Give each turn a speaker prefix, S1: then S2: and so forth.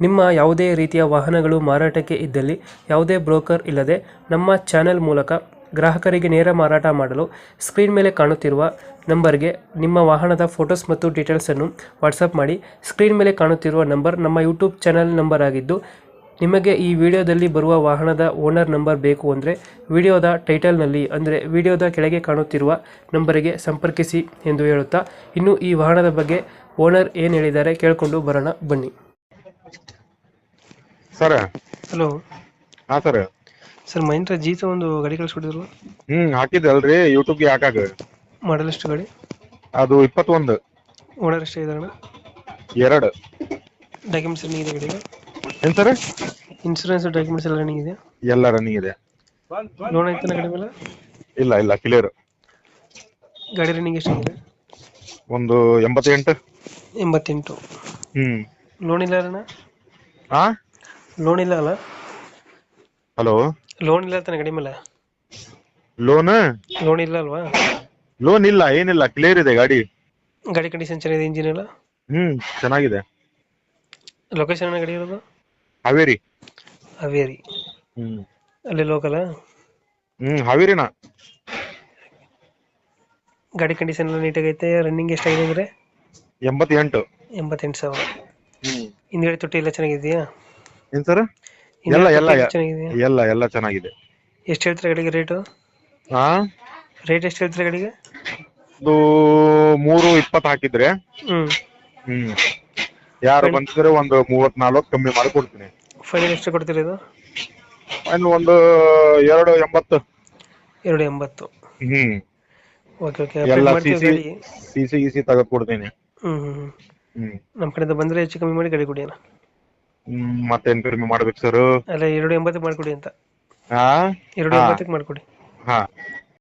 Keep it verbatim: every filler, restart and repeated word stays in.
S1: ನಿಮ್ಮ ಯಾವುದೇ ರೀತಿಯ ವಾಹನಗಳು ಮಾರಾಟಕ್ಕೆ ಇದ್ದಲ್ಲಿ ಯಾವುದೇ ಬ್ರೋಕರ್ ಇಲ್ಲದೆ ನಮ್ಮ ಚಾನೆಲ್ ಮೂಲಕ ಗ್ರಾಹಕರಿಗೆ ನೇರ ಮಾರಾಟ ಮಾಡಲು ಸ್ಕ್ರೀನ್ ಮೇಲೆ ಕಾಣುತ್ತಿರುವ ನಂಬರ್ಗೆ ನಿಮ್ಮ ವಾಹನದ ಫೋಟೋಸ್ ಮತ್ತು ಡೀಟೇಲ್ಸನ್ನು ವಾಟ್ಸಪ್ ಮಾಡಿ. ಸ್ಕ್ರೀನ್ ಮೇಲೆ ಕಾಣುತ್ತಿರುವ ನಂಬರ್ ನಮ್ಮ ಯೂಟ್ಯೂಬ್ ಚಾನೆಲ್ ನಂಬರ್ ಆಗಿದ್ದು, ನಿಮಗೆ ಈ ವಿಡಿಯೋದಲ್ಲಿ ಬರುವ ವಾಹನದ ಓನರ್ ನಂಬರ್ ಬೇಕು ಅಂದರೆ ವಿಡಿಯೋದ ಟೈಟಲ್ನಲ್ಲಿ ಅಂದರೆ ವಿಡಿಯೋದ ಕೆಳಗೆ ಕಾಣುತ್ತಿರುವ ನಂಬರಿಗೆ ಸಂಪರ್ಕಿಸಿ ಎಂದು ಹೇಳುತ್ತಾ, ಇನ್ನು ಈ ವಾಹನದ ಬಗ್ಗೆ ಓನರ್ ಏನು ಹೇಳಿದ್ದಾರೆ ಕೇಳಿಕೊಂಡು ಬರೋಣ ಬನ್ನಿ.
S2: Sir
S1: hello.
S2: ಹಾ ಸರ್
S1: ಸರ್, ಮಹೇಂದ್ರ ಜೀತ ಒಂದು ಗಾಡಿ ಕಳಿಸ್ಕೊಟ್ಟಿದ್ರು.
S2: ಹ್ಮ್ ಹಾಕಿದ್ದಲ್ರಿ ಯೂಟ್ಯೂಬ್ಗೆ ಹಾಕಾಗ.
S1: ಮಾಡಲ್ ಎಷ್ಟು ಗಾಡಿ?
S2: ಅದು ಇಪ್ಪತ್ತೊಂದು.
S1: ಓನರ್ ಎಷ್ಟೇ ಇದಾರೆ?
S2: ಎರಡು.
S1: ಡಾಕ್ಯುಮೆಂಟ್ಸ್ ರನ್ನಿಂಗ್ ಇದೆ ಗಾಡಿಗೆ?
S2: ಏನ್ ಸರ್?
S1: ಇನ್ಸೂರೆನ್ಸ್ ಡಾಕ್ಯುಮೆಂಟ್ಸ್ ಎಲ್ಲ ರನ್ನಿಂಗ್ ಇದೆ?
S2: ಎಲ್ಲ ರನ್ನಿಂಗ್ ಇದೆ.
S1: ಲೋನ್ ಐತನ ಗಾಡಿ ಮೇಲೆ?
S2: ಇಲ್ಲ ಇಲ್ಲ ಕ್ಲಿಯರ್.
S1: ಗಾಡಿ ರನ್ನಿಂಗ್ ಎಷ್ಟಾಗಿದೆ?
S2: ಒಂದು ಎಂಬತ್ತೆಂಟು.
S1: ಎಂಬತ್ತೆಂಟು.
S2: ಹ್ಮ್.
S1: ಲೋನ್ ಇಲ್ಲ ಅಣ್ಣ?
S2: ಹಾ
S1: ಲೋನ್ ಇಲ್ಲ ಅಲ್ಲ?
S2: ಹಲೋ.
S1: ಲೋನ್ ಇಲ್ಲ ತಾನೆ ಗಾಡಿ ಮೇಲೆ?
S2: ಲೋನ್
S1: ಲೋನ್ ಇಲ್ಲ ಅಲ್ವಾ?
S2: ಲೋನ್ ಇಲ್ಲ, ಏನಿಲ್ಲ, ಕ್ಲಿಯರ್ ಇದೆ ಗಾಡಿ.
S1: ಗಾಡಿ ಕಂಡೀಷನ್ ಚೆನ್ನಾಗಿದೆ, ಇಂಜಿನ್ ಎಲ್ಲ?
S2: ಹ್ಮ್ ಚೆನ್ನಾಗಿದೆ.
S1: ಲೊಕೇಶನ್ ಗಾಡಿ ಇರೋದು?
S2: ಹಾವೇರಿ.
S1: ಹಾವೇರಿ.
S2: ಹ್ಮ್.
S1: ಅಲ್ಲಿ ಲೋಕಲ್?
S2: ಹ್ಮ್ ಹಾವೇರಿನ.
S1: ಗಾಡಿ ಕಂಡೀಷನ್ ಎಲ್ಲ ನೀಟಾಗೈತೆ. ರನ್ನಿಂಗ್ ಎಷ್ಟಾಗಿದೆ ಅಂದ್ರೆ?
S2: ಎಂಬತ್ತೆಂಟು.
S1: ಎಂಬತ್ತೆಂಟು ಸಾವಿರ.
S2: ಹ್ಮ್.
S1: ಹಿಂದ್ಗಡೆ ತೊಟ್ಟಿ ಎಲ್ಲ ಚೆನ್ನಾಗಿದೆಯಾ?
S2: ಏನ್ ಸರ್? ಎಲ್ಲ ಎಲ್ಲ ಎಲ್ಲ ಎಲ್ಲ ಚೆನ್ನಾಗಿದೆ.
S1: ಎಷ್ಟು ಹೇಳ್ತಾರೆ ಗಾಡಿಗೆ ರೇಟು?
S2: ಹಾ
S1: ರೇಟ್ ಎಷ್ಟು ಹೇಳ್ತಾರೆ ಗಾಡಿಗೆ?
S2: ಇದು ಮೂರು ಇಪ್ಪತ್ತು ಹಾಕಿದ್ರೆ
S1: ಹ್ಮ್
S2: ಹ್ಮ್ ಯಾರು ಬಂದಿದ್ರೆ ಒಂದು ಮೂವತ್ ನಾಲ್ಕು ಕಮ್ಮಿ ಮಾಡಿ ಕೊಡ್ತೀನಿ.
S1: ಫೈನಲ್ ಎಷ್ಟು ಕೊಡ್ತೀರಿ ಇದು?
S2: ಇನ್ನು ಒಂದು ಎರಡು ಎಂಬತ್ತು.
S1: ಎರಡು ಎಂಬತ್ತು.
S2: ಹ್ಮ್.
S1: Okay okay.
S2: ಎಲ್ಲ
S1: ಮಾಡ್ತೀವಿ
S2: ಸಿಸಿ
S1: ಗಾಡಿ.
S2: ಸಿಸಿ ಗಿಸಿ ತೆಗೆದು ಕೊಡ್ತೀನಿ.
S1: ಹ್ಮ್ ಹ್ಮ್
S2: ಹ್ಮ್.
S1: ನಮ್ಮ ಕಡೆಯಿಂದ ಬಂದ್ರೆ ಹೆಚ್ಚು ಕಮ್ಮಿ ಮಾಡಿ ಗಾಡಿ ಕೊಡಿ ಅಣ್ಣ.
S2: ಹ್ಮ್ ಮತ್ತೇನ್ ಕಡಿಮೆ ಮಾಡ್ಬೇಕು ಸರ್?
S1: ಅಲ್ಲ, ಎರಡು ಎಂಬತ್ತಕ್ಕೆ ಮಾಡ್ಕೊಡಿ ಅಂತ.
S2: ಹಾ
S1: ಎರಡು ಎಂಬತ್ತಕ್ಕೆ ಮಾಡ್ಕೊಡಿ.
S2: ಹಾ